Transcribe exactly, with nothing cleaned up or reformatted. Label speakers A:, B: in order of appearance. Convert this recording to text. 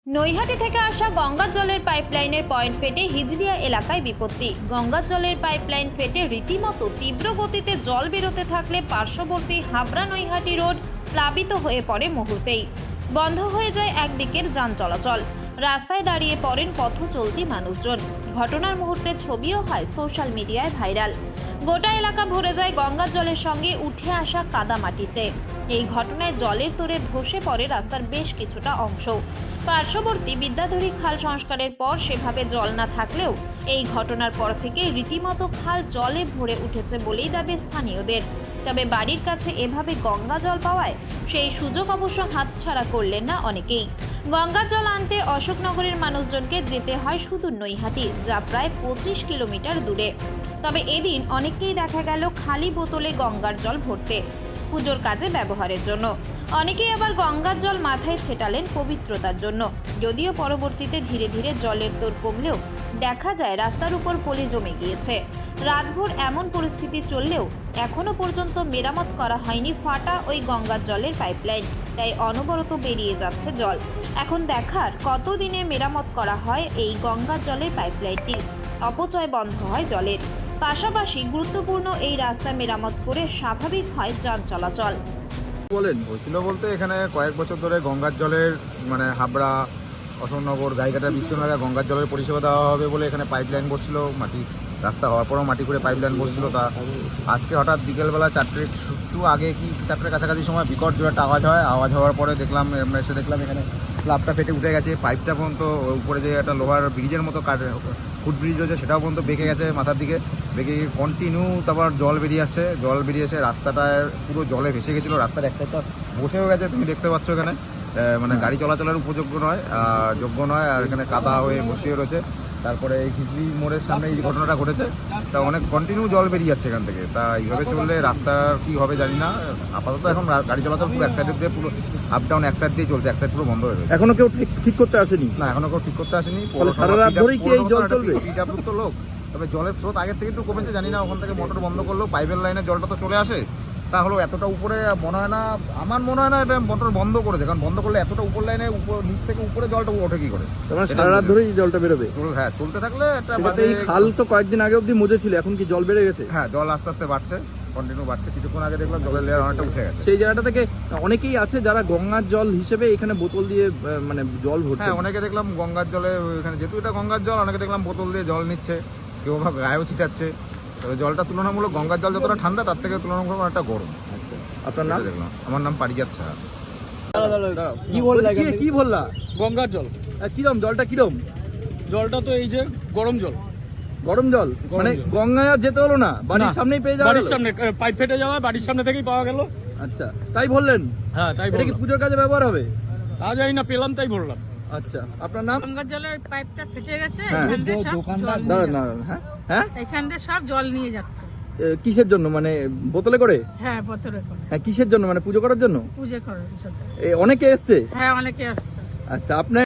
A: নৈহাটি থেকে আসা গঙ্গার জলের পাইপলাইনের পয়েন্ট ফেটে হিজলিয়া এলাকায় বিপত্তি। গঙ্গার জলের পাইপলাইন ফেটে রীতিমতো তীব্র গতিতে জল বেরোতে থাকলে পার্শ্ববর্তী হাবড়া নৈহাটি রোড প্লাবিত হয়ে পড়ে মুহূর্তেই। বন্ধ হয়ে যায় একদিকের যান চলাচল, রাস্তায় দাঁড়িয়ে পড়েন পথ চলতি মানুষজন। ঘটনার মুহূর্তে ছবিও হয় সোশ্যাল মিডিয়ায় ভাইরাল। গোটা এলাকা ভরে যায় গঙ্গার জলের সঙ্গে উঠে আসা কাদামাটিতে। এই ঘটনায় জলের তোড়ে ধসে পড়ে রাস্তার বেশ কিছুটা অংশ। পার্শ্ববর্তী বিদ্যাধরী খাল সংস্কারের পর সেভাবে জল না থাকলেও এই ঘটনার পর থেকে রীতিমতো খাল জলে ভরে উঠেছে বলেই দাবি স্থানীয়দের। তবে বাড়ির কাছে এভাবে গঙ্গা জল পাওয়ায় সেই সুযোগ অবশ্য হাতছাড়া করলেন না অনেকেই। গঙ্গার জল আনতে অশোকনগরের মানুষজনকে যেতে হয় সুদূর নৈহাটি, যা প্রায় পঁচিশ কিলোমিটার দূরে। তবে এদিন অনেককেই দেখা গেল খালি বোতলে গঙ্গার জল ভরতে, পুজোর কাজে ব্যবহারের জন্য। অনেকেই আবার গঙ্গার জল মাথায় ছেটালেন পবিত্রতার জন্য। যদিও পরবর্তীতে ধীরে ধীরে জলের তোর কমলেও দেখা যায় রাস্তার উপর পলি জমে গিয়েছে। রাতভর এমন পরিস্থিতি চললেও এখনো পর্যন্ত মেরামত করা হয়নি ফাটা ওই গঙ্গার জলের পাইপলাইন, তাই অনবরত বেরিয়ে যাচ্ছে জল। এখন দেখার কতদিনে মেরামত করা হয় এই গঙ্গার জলের পাইপলাইনটি, অপচয় বন্ধ হয় জলের। পাশাপাশি গুরুত্বপূর্ণ এই রাস্তা মেরামত করে স্বাভাবিক হয় যান চলাচল।
B: বলেন হয়েছিল বলতে এখানে কয়েক বছর ধরে গঙ্গার জলের মানে হাবড়া অশোকনগর গাইঘাটা বিস্তীর্ণ এলাকায় গঙ্গার জলের পরিষেবা দেওয়া হবে বলে এখানে পাইপলাইন বসছিল। মাটি রাস্তা হওয়ার পরও মাটি করে পাইপলাইন বসছিল। তা আজকে হঠাৎ বিকেলবেলা চারটে একটু আগে কি চারটের কাছাকাছি সময় বিকট জোরে একটা আওয়াজ হয়। আওয়াজ হওয়ার পরে দেখলাম আমরা এসে দেখলাম এখানে স্ল্যাবটা ফেটে উঠে গেছে। পাইপটা পর্যন্ত উপরে যে একটা লোহার ব্রিজের মতো কাট ফুট ব্রিজ রয়েছে সেটাও পর্যন্ত বেঁকে গেছে মাথার দিকে, বেঁকে কন্টিনিউ তারপর জল বেরিয়ে আসছে। জল বেরিয়ে এসে রাস্তাটায় পুরো জলে ভেসে গেছিলো। রাস্তার একটা একটা বসেও গেছে, তুমি দেখতে পাচ্ছ এখানে মানে গাড়ি চলাচলের উপযোগ্য নয়, যোগ্য নয়। আর এখানে কাদা হয়ে ভর্তি হয়ে রয়েছে। তারপরে এই খিচড়ি মোড়ের সামনে এই ঘটনাটা ঘটেছে, তা অনেক কন্টিনিউ জল বেরিয়ে যাচ্ছে এখান থেকে। তা এইভাবে চললে রাস্তার কি হবে জানি না। আপাতত এখন গাড়ি চলাচল পুরো এক সাইডের দিয়ে পুরো আপ ডাউন এক সাইড দিয়ে চলছে, এক সাইড পুরো বন্ধ হয়ে রয়েছে।
C: এখনো কেউ ঠিক করতে আসেনি?
B: না, এখনো কেউ ঠিক করতে আসেনি।
C: সারা রাত ধরেই কি এই জল চলবে?
B: পিডাব্লিউ তো লোক, তবে জলের স্রোত আগের থেকে একটু কমেছে জানি না। ওখান থেকে মোটর বন্ধ করলেও পাইপের লাইনে জলটা তো চলে আসে, তাহলে এতটা উপরে মনে হয় না, আমার মনে হয় না এটা মোটর বন্ধ করেছে। কারণ বন্ধ করলে এতটা উপর লাইনে উপর নিচ থেকে উপরে জলটা ওঠে কি করে?
C: সারা রাত ধরেই জলটা বেরোবে?
B: হ্যাঁ, চলতে থাকলে একটা
C: এই খাল তো কয়েকদিন আগে অব্দি মজে ছিল, এখন কি জল বেড়ে গেছে?
B: হ্যাঁ, জল আস্তে আস্তে বাড়ছে, কন্টিনিউ বাড়ছে। কিছুক্ষণ আগে দেখলাম জলের লেয়ার অনেকটা উঠে গেছে।
C: সেই জায়গাটা থেকে অনেকেই আছে যারা গঙ্গার জল হিসেবে এখানে বোতল দিয়ে মানে জল ভরছে।
B: হ্যাঁ, অনেকে দেখলাম গঙ্গার জলে এখানে, যেহেতু এটা গঙ্গার জল, অনেকে দেখলাম বোতল দিয়ে জল নিচ্ছে, কেউ বা গায়েও ছিটাচ্ছে। তবে জলটা তুলনামূলক গঙ্গার জল যতটা ঠান্ডা তার থেকে তুলনামূলক অনেকটা গরম।
C: আচ্ছা, আপনার নাম?
B: দেখলাম, আমার নাম পারিজাত সাহা।
C: কি বললা? কি বললা?
D: গঙ্গার জল
C: কিরম জলটা? কিরম
D: জলটা? তো এই যে গরম জল।
C: গরম জল মানে গঙ্গায় আর যেতে হলো না, বাড়ির সামনেই পেয়ে যাওয়া?
D: বাড়ির সামনে পাইপ ফেটে যাওয়া, বাড়ির সামনে থেকেই পাওয়া গেল।
C: আচ্ছা, তাই বললেন?
D: হ্যাঁ, তাই
C: এটা কি পুজোর কাজে ব্যবহার হবে?
D: তা জানি না, পেলাম তাই বললাম।
C: আচ্ছা, আপনার নাম?
E: গঙ্গার জলের পাইপটা ফেটে গেছে,
C: হ্যাঁ।
E: এখান দিয়ে সব জল নিয়ে
C: দাঁড়ান,
E: যাচ্ছে।
C: দাঁড়ান, হ্যাঁ হ্যাঁ
E: এখান দিয়ে সব জল নিয়ে যাচ্ছে।
C: এ, কিসের জন্য? মানে বোতলে করে?
E: হ্যাঁ, বোতলে করে
C: হ্যাঁ, কিসের জন্য? মানে পুজো করার জন্য?
E: পুজো করার জন্য।
C: এ, অনেকে এসছে?
E: হ্যাঁ, অনেকে আসছে।
C: আচ্ছা, আপনার